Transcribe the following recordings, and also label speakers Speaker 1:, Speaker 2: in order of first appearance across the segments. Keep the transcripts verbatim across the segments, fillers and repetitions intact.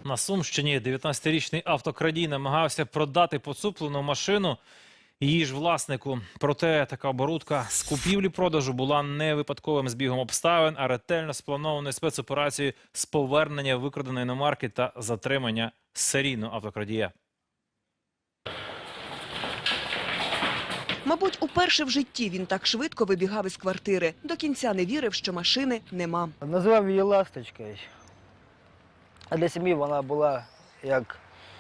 Speaker 1: На Сумщині дев'ятнадцятирічний автокрадій намагався продати поцуплену машину її ж власнику. Проте така оборудка з купівлі-продажу була не випадковим збігом обставин, а ретельно спланованою спецоперацією з повернення викраденої іномарки та затримання серійного автокрадія.
Speaker 2: Мабуть, уперше в житті він так швидко вибігав із квартири. До кінця не вірив, що машини нема.
Speaker 3: Назвав її «Ласточкою». А для сім'ї вона була як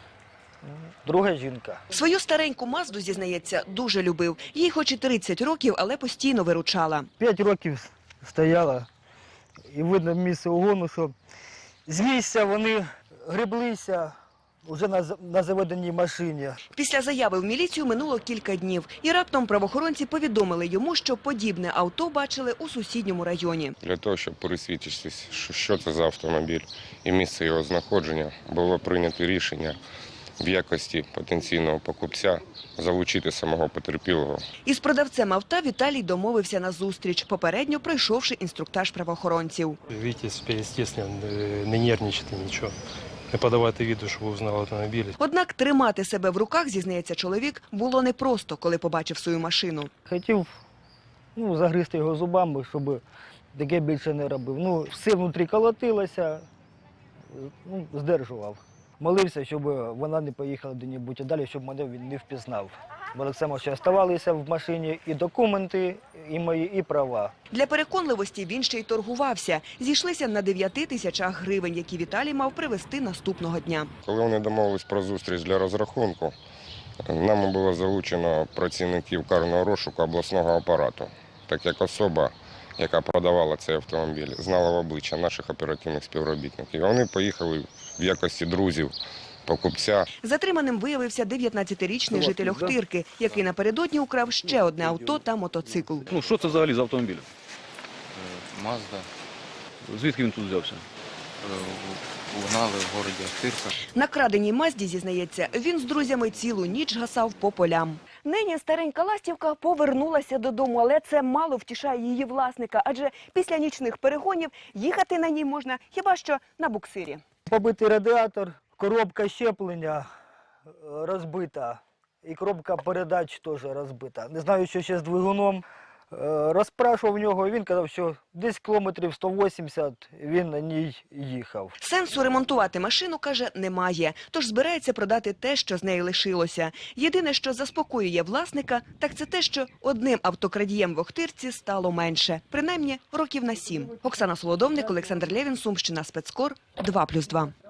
Speaker 3: друга жінка.
Speaker 2: Свою стареньку Мазду, зізнається, дуже любив. Їй хоч і тридцять років, але постійно виручала.
Speaker 3: П'ять років стояла, і видно місце угону, що з місця вони греблися вже на, на заведеній машині.
Speaker 2: Після заяви в міліцію минуло кілька днів. І раптом правоохоронці повідомили йому, що подібне авто бачили у сусідньому районі.
Speaker 4: Для того, щоб пересвідчитися, що це за автомобіль і місце його знаходження, було прийнято рішення в якості потенційного покупця залучити самого потерпілого.
Speaker 2: Із продавцем авто Віталій домовився на зустріч, попередньо пройшовши інструктаж правоохоронців.
Speaker 5: Вітязь, естественно, не нервничати нічого. Не подавати виду, щоб узнав автомобіль.
Speaker 2: Однак тримати себе в руках, зізнається чоловік, було непросто, коли побачив свою машину.
Speaker 3: Хотів ну, загризти його зубами, щоб таке більше не робив. Ну, все внутрі колотилося, ну, здержував. Молився, щоб вона не поїхала де-небудь а далі, щоб мене він не впізнав. Бо так само ще залишалися в машині і документи, і мої, і права.
Speaker 2: Для переконливості він ще й торгувався. Зійшлися на дев'яти тисячах гривень, які Віталій мав привезти наступного дня.
Speaker 4: Коли вони домовились про зустріч для розрахунку, нами було залучено працівників карного розшуку обласного апарату, так як особа, яка продавала цей автомобіль, знала в обличчя наших оперативних співробітників. Вони поїхали в якості друзів покупця.
Speaker 2: Затриманим виявився дев'ятнадцятирічний житель Охтирки, який напередодні украв ще одне авто та мотоцикл.
Speaker 6: Ну, що це взагалі за автомобіль?
Speaker 7: Мазда.
Speaker 6: Звідки він тут взявся?
Speaker 7: Угнали в городі Охтирка.
Speaker 2: На краденій Мазді, зізнається, він з друзями цілу ніч гасав по полям. Нині старенька ластівка повернулася додому, але це мало втішає її власника, адже після нічних перегонів їхати на ній можна хіба що на буксирі.
Speaker 3: Побитий радіатор, коробка щеплення розбита і коробка передач теж розбита. Не знаю, що ще з двигуном. Розпрашував в нього, він казав, що десь кілометрів сто вісімдесят він на ній їхав.
Speaker 2: Сенсу ремонтувати машину, каже, немає, тож збирається продати те, що з неї лишилося. Єдине, що заспокоює власника, так це те, що одним автокрадієм в Охтирці стало менше. Принаймні, років на сім. Оксана Солодовник, Олександр Лєвін, Сумщина, Спецкор, два плюс два.